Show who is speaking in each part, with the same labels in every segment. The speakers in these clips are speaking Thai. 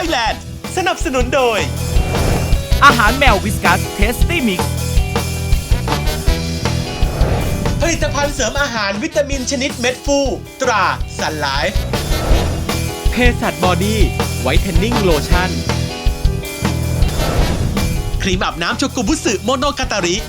Speaker 1: แลนด์สนับสนุนโดย
Speaker 2: อาหารแมววิสกัสเทสตี้มิกซ์
Speaker 1: ผลิตภัณฑ์เสริมอาหารวิตามินชนิดเม็ดฟูตราซันไลฟ์
Speaker 2: เพสัตบอดี้ไวท์เทนนิ่งโลชั่น
Speaker 1: ครีมอาบน้ำโชกุบุสึโมโนกาตาริ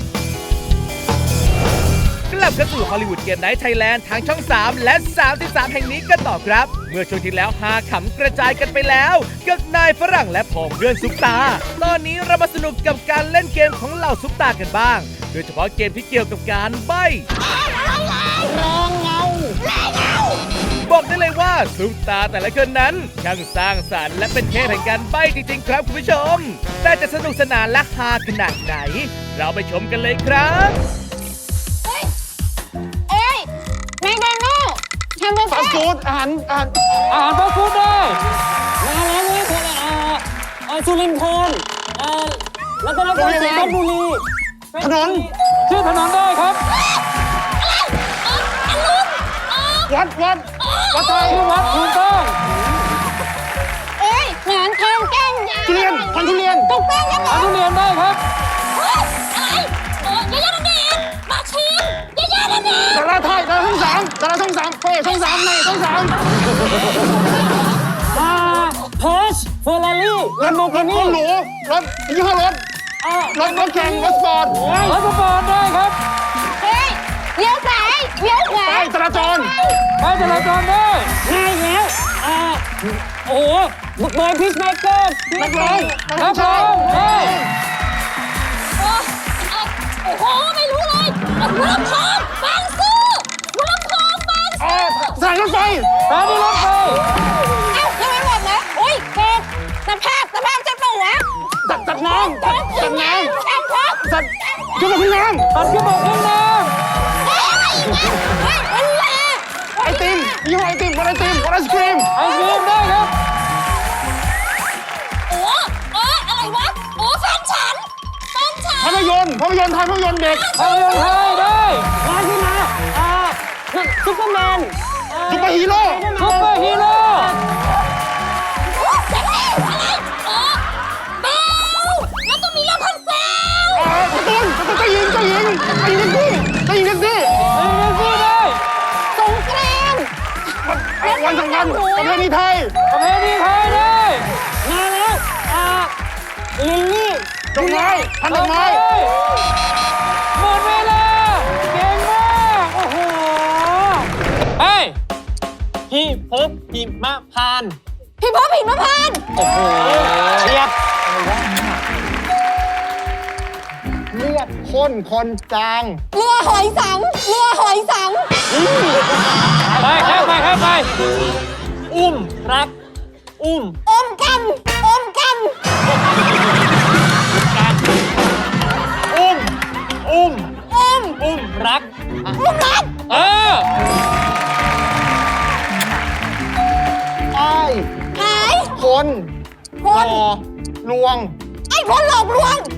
Speaker 2: กลับเข้าสู่ฮอลลีวูดเกมไนท์ไทยแลนด์ทางช่อง 3 และ 33 แห่งนี้กันต่อครับ เมื่อช่วงที่แล้วหาขำกระจายกันไปแล้วกับนายฝรั่งและผองเพื่อนซุปตาตอนนี้เรามาสนุกกับการเล่นเกมของเหล่าซุปตากันบ้างโดยเฉพาะเกมที่เกี่ยวกับการใบ้บอกได้เลยว่าซุปตาแต่ละคนนั้นช่างสร้างสรรค์และเป็นเทพแห่งการใบ้จริงๆครับคุณผู้ชมแต่จะสนุกสนานและฮาขนาดไหนเราไปชมกันเลยครับ
Speaker 3: แมคโดนัลด์แฮมเบอร์เกอร์
Speaker 4: ฟาสต์ฟู้ดอาหารฟาสต์ฟู้ดได้มาแล้วนี่คือสุรินทร์โคนแล้วก็นครศรีธนบุรีถนนชื่อถนนได้ครับวัดไทยวัดถูกต้อง
Speaker 3: หนอนทองแก้มยาว
Speaker 4: ทุเรียนพันธุเรียน
Speaker 3: ถูกต้องครับ
Speaker 4: พันธุเรียนได้ครับ
Speaker 3: ยายาเด็กมาชิมยายาเด็ก
Speaker 4: ดาราไทยดาราช่องสามเฮ้ยช่องสามในช่องสามพอร์ชเฟอร์รารี่รถหรูรถยี่ห้อรถแข่งรถสปอร์ตได้ครับ
Speaker 3: เลี้ยวซ้ายเลี้ยวขวา
Speaker 4: ป้ายจราจรได้ง่ายแล้วโอ้โหเบย์พีชเมเกอร์นักร้อง
Speaker 3: โอ้โหไม่รู้เลยหัวลำโพงบางซื่อหัวลำโพงบางซื่อ
Speaker 4: สถานีรถไฟ
Speaker 3: ยังไม่หมดนะอุ้ยเกิดสภาพจะเปล่าวะ
Speaker 4: จัดน้ำ
Speaker 3: จัด
Speaker 4: ขึ้นมาขึ้นน้ำไอติมยี่ห้อไอติมวันไอติมวันไอศครีมได้ครับ
Speaker 3: อะไรวะแฟนฉัน
Speaker 4: ภาพยนตร์ไทยภาพยนตร์เด็กภาพยนตร์ไทยได้มาที่มาซุปเปอร์แมนซุปเปอร์ฮีโร่
Speaker 3: แล้วก็มีเรื่องพันแซว
Speaker 4: เจ้าหญิงแท็กซี่ได้
Speaker 3: สงกรานต์
Speaker 4: วันสำคัญประเพณีไทยได้มาแล้วลิลลี่ดอกไม้พันดอกไม้หมดเวลาเก่งมากโอ้โหพี่พบหิมะพานต์
Speaker 3: โอ้โห
Speaker 4: เชียบเรียบข้นคนจาง
Speaker 3: เรือหอยสัง
Speaker 4: ไปอุ้มรักอ
Speaker 3: มกัน
Speaker 4: อุ้มรัก
Speaker 3: หาย
Speaker 4: คนลวง
Speaker 3: ไอ้คนหลอกลวง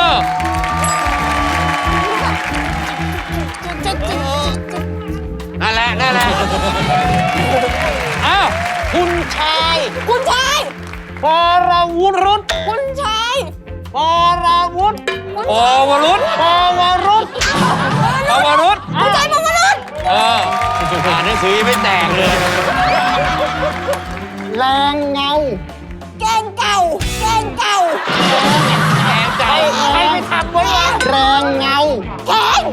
Speaker 4: นั่นแหละอ้าวคุณชาย
Speaker 3: ป
Speaker 4: รวุฒิรุต
Speaker 3: คุณชาย
Speaker 4: ปรวุฒิ
Speaker 3: คุณชายปวรุษ
Speaker 4: อ่านหนังสือไม่แตกเลยแรงเงา
Speaker 3: แกงเก่า
Speaker 4: ใครไปทำไว้วะแรงเงา
Speaker 3: แรง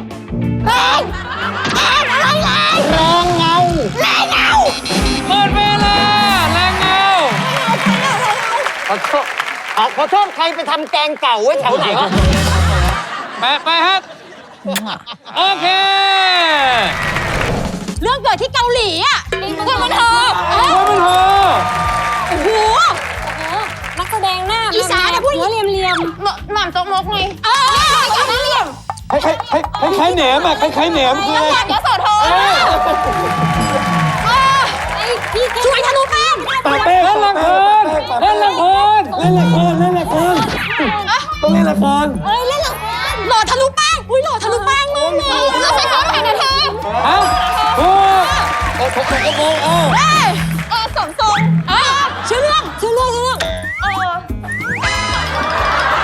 Speaker 3: อะไร
Speaker 4: แรงเงาหมดเวลาแรงเงาขอโทษใครไปทำแกงเก่าไว้แถวไหนวะไปฮะโอเค
Speaker 3: เรื่องเกิดที่เกาหลีอ่ะคุณมันเถอะโอ้โหนักแสดงหน้าอีสานนะผู้หญิงเหลี่ยมหม่ำจกมกไงเหลี่ยม
Speaker 4: คล้ายแหนมอ่ะคล้ายแหนมคืออะไร
Speaker 3: ยโสธรช่วยทะลุแป้ง
Speaker 4: เล่นละครต้องเล่นละคร
Speaker 3: หล่อทะลุแป้งหล่อทะลุแป้งมากเลยเราใช้ซ้อมแข่งกันเธอสมทรงชื่อเรื่อง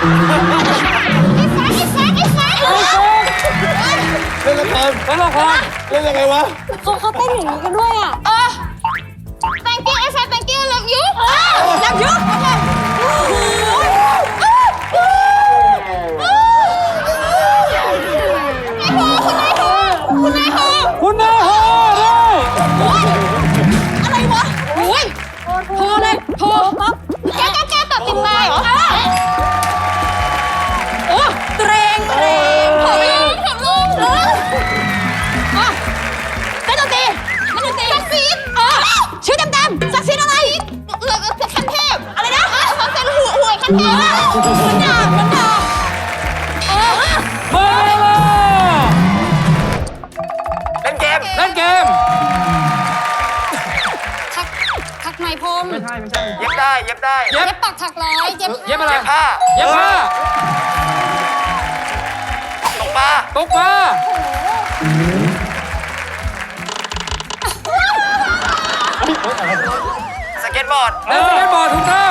Speaker 4: เล่นละครเล่นละครเล่นยังไงวะ
Speaker 3: เขาเต้นอย่างนี้กันด้วยอ่ะthank you ไอ้แฟน thank you love you love you
Speaker 4: คุณนายโฮได้
Speaker 3: อะไรวะโอ้ยโทรเลยโทรปั๊บแกตัดติดตายเหรอโอ้เตรงผมเต้นดนตรีซักซีดชื่อดำซักซีดอะไรขั้นเทพอะไรนะซักซีดหวยขั้นเทพมันด่า
Speaker 4: หมดเวลาเล่นเกม
Speaker 3: ถักไหมพรม
Speaker 4: ไม่ใช่เย็บได้เย็บ
Speaker 3: ปักถักร้อยเย็บ
Speaker 4: อะไรเย็บผ้าตกปลา
Speaker 5: สเก็ตบอร์ด
Speaker 4: เล่นสเก็ตบอร์ดถูกต้อง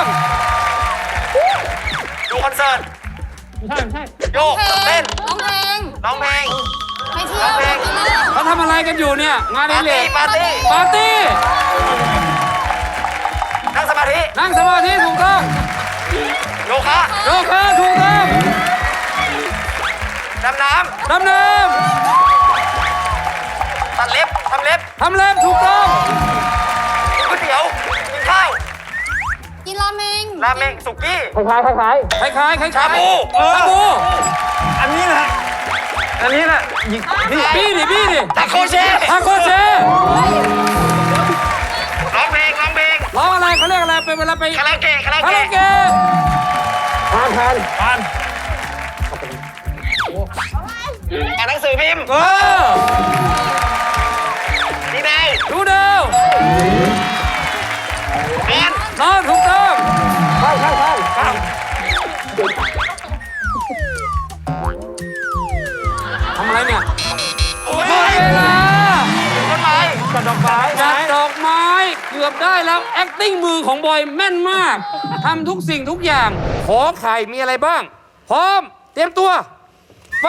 Speaker 5: ดูคอนเสิร์ต
Speaker 4: ไม่ใช่
Speaker 5: โยกเต้น
Speaker 3: ร้องเพลง
Speaker 5: ร้องเพลง
Speaker 3: ไปเที่ยวไปกินเหล้า
Speaker 4: เขาทำอะไรกันอยู่เนี่ยงานนี้เลย
Speaker 5: ปาร์ตี้
Speaker 4: ปาร์ตี้
Speaker 5: นั่งสมาธิ
Speaker 4: นั่งสมาธิถูกต้อง
Speaker 5: โยคะ
Speaker 4: โยคะถูกต้อง
Speaker 5: ดำน้
Speaker 4: ดำน้
Speaker 5: ำตัดเล็บทำเล็บ
Speaker 4: ำทำเล็บถูกต้อง
Speaker 5: กินก๋วยเตี๋ยวกินข้าว
Speaker 3: กินราเมง
Speaker 5: ราเมงสุกี้
Speaker 4: คล้าย
Speaker 5: ชาบู
Speaker 4: ชาบู
Speaker 5: อันนี้แหละ
Speaker 4: บี้ดิ
Speaker 5: ตาโคเช่
Speaker 4: ทาโคเช
Speaker 5: ร้องเพลง
Speaker 4: ร้องอะไรเขาเรียกอะไรเป็นเวลาไป
Speaker 5: คาราโอเกะ
Speaker 4: คาราโอเกะผ่าน
Speaker 5: อ่านหนังสือพิมพ์ ดีนาย
Speaker 4: ดูดาว
Speaker 5: เรียน
Speaker 4: นอนถูกต้องทำอะไรเนี่ยหมดเวลา
Speaker 5: ต้นไม้ตัดดอกไม้
Speaker 4: จัดดอกไม้เกือบได้แล้ว acting มือของบอยแม่นมากทำทุกสิ่งทุกอย่างขอไข่มีอะไรบ้าง พร้อม เตรียมตัว ไป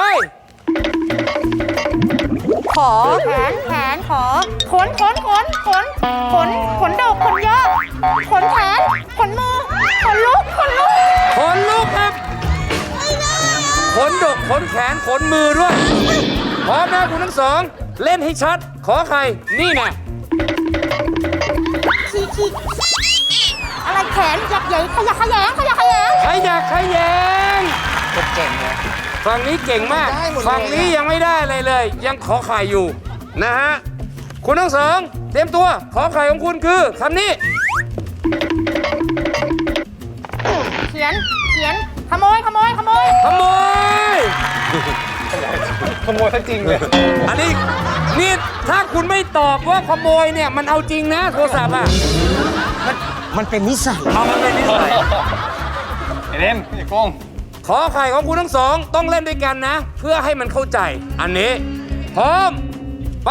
Speaker 3: ขอแขนขอขนดกขนเยอะขนแขนขนมือขนลุก
Speaker 4: ขนลุกครับ ขนดก ขนแขน ขนมือด้วย พร้อมนะคุณทั้งสอง เล่นให้ชัด ขอใคร นี่ไง
Speaker 3: อะไรแขนใหญ่ขยักขยง
Speaker 4: ใครอยากใครแยงเก่งเลยฝั่งนี้เก่งมาก ฝั่งนี้ยังไม่ได้อะไรเลย ยังขอไข่อยู่ นะฮะ คุณทั้งสอง เตรียมตัว ขอไข่ของคุณคือคำนี้
Speaker 3: เขียนขโมย
Speaker 4: ขโมยทั้งจริงเลย อันนี้นี่ถ้าคุณไม่ตอบว่าขโมยเนี่ยมันเอาจริงนะโทรศัพท์อ่ะ
Speaker 1: มันเป็นนิสัย
Speaker 4: มันเป็นนิสัย
Speaker 5: เล่นอย่าโกง
Speaker 4: ขอไข่ของคุณทั้งสองต้องเล่นด้วยกันนะ เพื่อให้มันเข้าใจ อันนี้ พร้อม ไป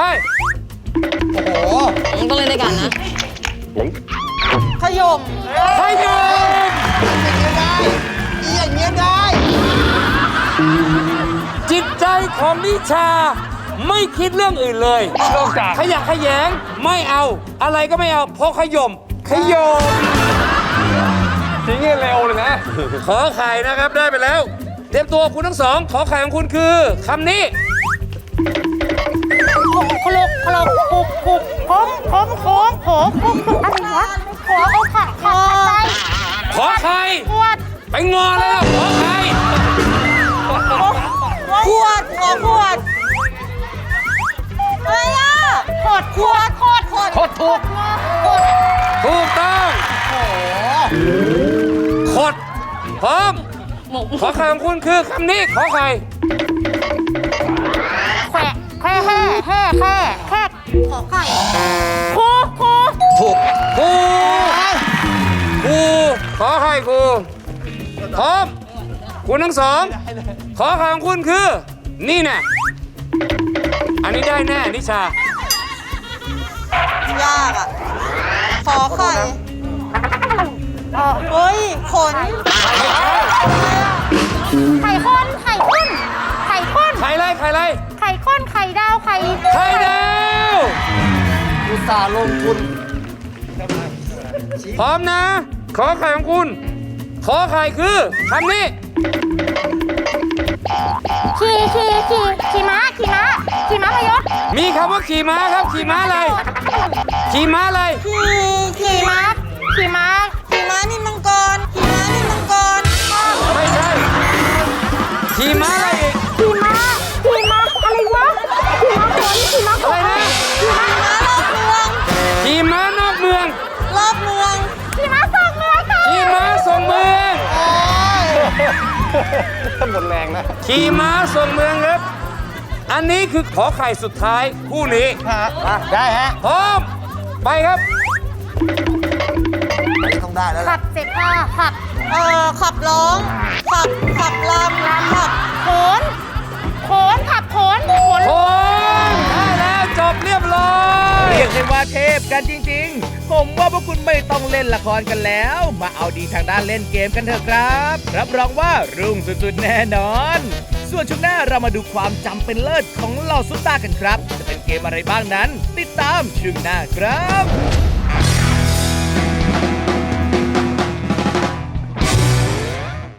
Speaker 3: ต้องเล่นด้วยกันนะขยม
Speaker 4: ขยม
Speaker 1: อย่างเงี้ยได้
Speaker 4: จิตใจของนิชาไม่คิดเรื่องอื่นเลยนอกจากขยะแขยงไม่เอาอะไรก็ไม่เอาเพราะขยมทิ้งเร็วเลยนะ ขอไข่นะครับได้ไปแล้ว เตรียมตัวคุณทั้งสอง ขอไข่ของคุณคือคำนี้
Speaker 3: คุกอะไรวะขอเอาขัดใจ
Speaker 4: ขอไข่
Speaker 3: ขวด
Speaker 4: ไปงอแล้วขอไข่
Speaker 3: ขวดอะไรอ่ะขวดถูก
Speaker 4: ถูกต้องขดพร้อม ขอไข่ของคุณคือคำนี้ ขอไข่
Speaker 3: แค่ขอไข่ครู
Speaker 4: ถูกครูขอไข่ครูพร้อม คุณทั้งสอง ขอไข่ของคุณคือ นี่แน่อันนี้ได้แน่นิชา
Speaker 6: ยากอ่ะ ขอไข่เฮ้ย ขน
Speaker 3: ไข่ข้น ไข่ข้น ไข่ข้น
Speaker 4: ไข่อะไรไข่อะไร
Speaker 3: ไข่ข้น ไข่ดาว ไข่
Speaker 4: ไข่ดาว
Speaker 5: อุตส่าห์ลงทุน
Speaker 4: พร้อมนะ ขอไข่ของคุณ ขอไข่คือคำนี้
Speaker 3: ขี่ม้าพยศ
Speaker 4: มีคำว่าขี่ม้าครับ ขี่ม้าอะไร ขี่ม้าอะไร
Speaker 3: ขี่ม้า
Speaker 6: ขี่ม้านินมังกรขี่ม้านินมังกร
Speaker 4: ไม่ใช่ ขี่ม้าอะไรอีก
Speaker 3: อะไรวะ ขี่ม้า
Speaker 4: อะไรนะ ขี่ม้านอกเมือง
Speaker 6: รอบเมือง
Speaker 3: ขี่ม้าส่งเมืองค่ะ
Speaker 4: ขี่ม้าส่งเมือง
Speaker 5: หมดแรงนะ
Speaker 4: ขี่ม้าส่งเมืองครับ อันนี้คือขอไข่สุดท้ายคู่นี้
Speaker 5: ได้ฮะ
Speaker 4: พร้อม ไปครับ
Speaker 5: ต้องได้แล้ว
Speaker 3: ขับเสร็จค่ะขับ
Speaker 6: ขับร้อง ขับลำขับ
Speaker 3: โขนขับโขน
Speaker 4: โอ้ยได้แล้วจบเรียบร้อย
Speaker 2: เรียกได้ว่าเทพกันจริงๆ ผมว่าพวกคุณไม่ต้องเล่นละครกันแล้ว มาเอาดีทางด้านเล่นเกมกันเถอะครับ รับรองว่ารุ่งสุดๆแน่นอน ส่วนช่วงหน้าเรามาดูความจำเป็นเลิศของเหล่าซุปตากันครับ จะเป็นเกมอะไรบ้างนั้น ติดตามช่วงหน้าครับ